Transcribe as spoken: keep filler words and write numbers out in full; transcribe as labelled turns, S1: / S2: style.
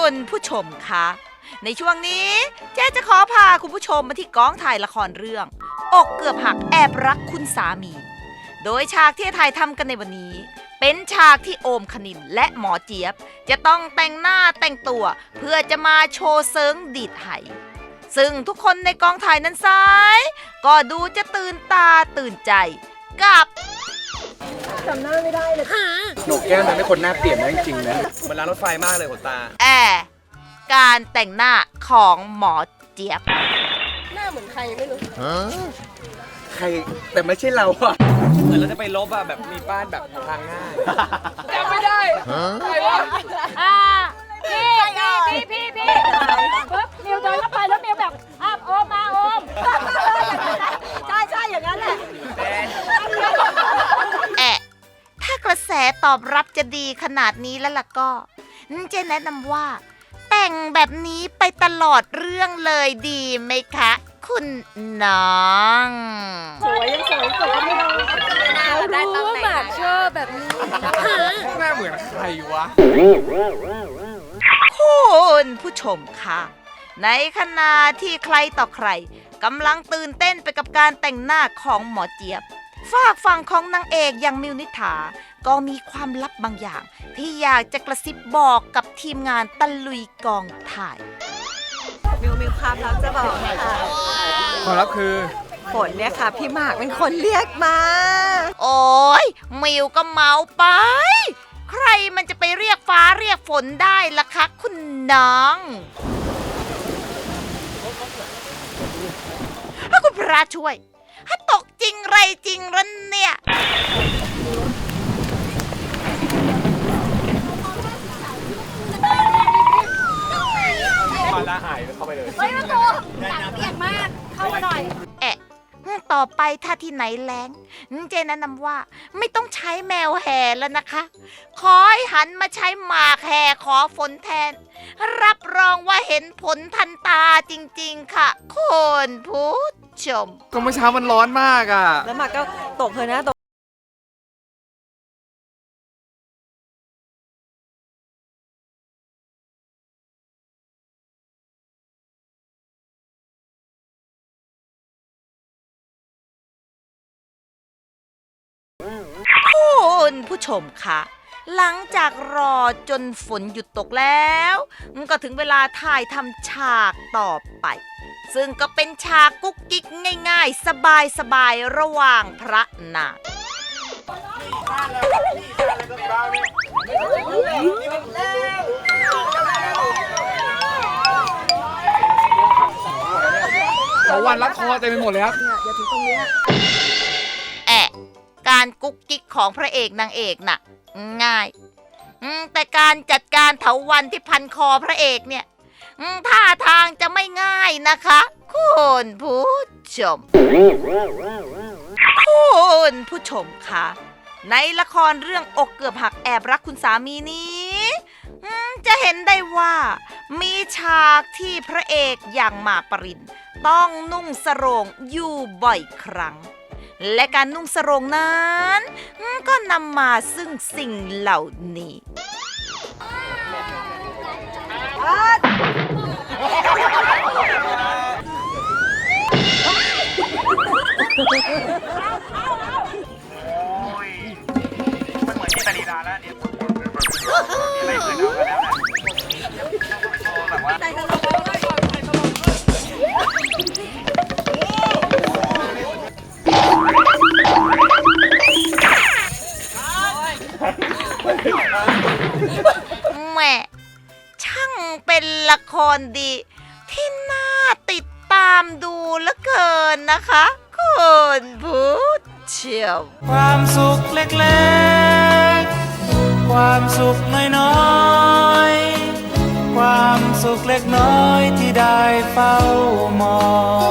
S1: คุณผู้ชมคะในช่วงนี้เจ๊จะขอพาคุณผู้ชมมาที่กองถ่ายละครเรื่องอกเกือบหักแอบรักคุณสามีโดยฉากที่ถ่ายทำกันในวันนี้เป็นฉากที่โอมคณินและหมอเจี๊ยบจะต้องแต่งหน้าแต่งตัวเพื่อจะมาโชว์เซิงดีดไหซึ่งทุกคนในกองถ่ายนั้นซ้ายก็ดูจะตื่นตาตื่นใจกับ
S2: จำหน้าไม่ได้เลย
S3: หนูแก้มมันเป็นคนหน้าเปลี่ยนนะจริงๆนะมันร้านรถไฟมากเลยขนตา
S1: แอร์การแต่งหน้าของหมอเจี๊ยบ
S2: หน้าเหมือนใครไม่รู้
S3: ใครแต่ไม่ใช่เราอะเหมือนเราจะไปลบอะแบบมีป้านแบบทางง่าย
S2: จำไม่ได้ใครวะ
S4: อ่าพี่พี่พี่พี่ปึ๊บมิวเดินเข้าไปแล้วมิวแบบอ้าวโอมมาโอมใช่ใช่อย่างนั้นแหละ
S1: แอะถ้ากระแสตอบรับจะดีขนาดนี้แล้วล่ะก็เจแนะนำว่าแต่งแบบนี้ไปตลอดเรื่องเลยดีไหมคะคุณน้อง
S2: สวยยังสวยสวยไม่ได้ได้ตำแหน่งชอบแบบนี้
S3: หน้าเหมือนใครวะ
S1: คุณผู้ชมคะในขณะที่ใครต่อใครกำลังตื่นเต้นไปกับการแต่งหน้าของหมอเจี๊ยบฝากฝั่งของนางเอกอย่างมิวนิษฐาก็มีความลับบางอย่างที่อยากจะกระซิบบอกกับทีมงานตะลุยกองถ่าย
S2: มิวมีความลับจะบอกค่ะ
S3: ความลับคือ
S2: ฝนเนี่ยค่ะพี่หมากเป็นคนเรียกมา
S1: โอ้ยมิวก็เมาไปใครมันจะไปเรียกฟ้าเรียกฝนได้ล่ะคะคุณน้องถ้าคุณพระช่วยถ้าตกจริงไรจริงรันเนี่ย
S3: มาละหายเข้าไปเลย
S4: เฮ้ยประตูหนักเปียกมากเข้ามาหน่อย
S1: แอะต่อไปถ้าที่ไหนแล้งเจแนะนำว่าไม่ต้องใช้แมวแห่แล้วนะคะขอให้หันมาใช้หมากแห่ขอฝนแทนรับรองว่าเห็นผลทันตาจริงๆค่ะคุณผู้ชม
S3: ก็เมื่อเช้ามันร้อนมากอ่ะ
S2: แล้วหมากก็ตกเลยนะตก
S1: คุณผู้ชมคะหลังจากรอจนฝนหยุดตกแล้วก็ถึงเวลาถ่ายทำฉากต่อไปซึ่งก็เป็นฉากกุ๊กกิ๊กง่ายๆสบายๆระหว่างพระนาง
S3: เขาวันรัดคอเต็มไปหมดเลยครับ
S2: อย่าถึงตรงนี้
S1: แอะการกุ๊กกิ๊กของพระเอกนางเอกน่ะง่ายแต่การจัดการเถาวัลย์ที่พันคอพระเอกเนี่ยท่าทางจะไม่ง่ายนะคะคุณผู้ชมคุณผู้ชมคะในละครเรื่องอกเกือบหักแอบรักคุณสามีนี้จะเห็นได้ว่ามีฉากที่พระเอกอย่างหมากปรินต้องนุ่งสโรงอยู่บ่อยครั้งและการนุ่งสโรงนั้นก็นำมาซึ่งสิ่งเหล่านี้
S3: มันเหมือนที่ตาลีดาแล้วเนี่ยไม่เคยดูกันแล้วนะแบบว่า
S1: แม่ช่างเป็นละครดีที่น่าติดตามดูเหลือเกินนะคะคุณผู้ชม
S5: ความสุขเล็กๆความสุขน้อยๆความสุขเล็กน้อยที่ได้เฝ้ามอง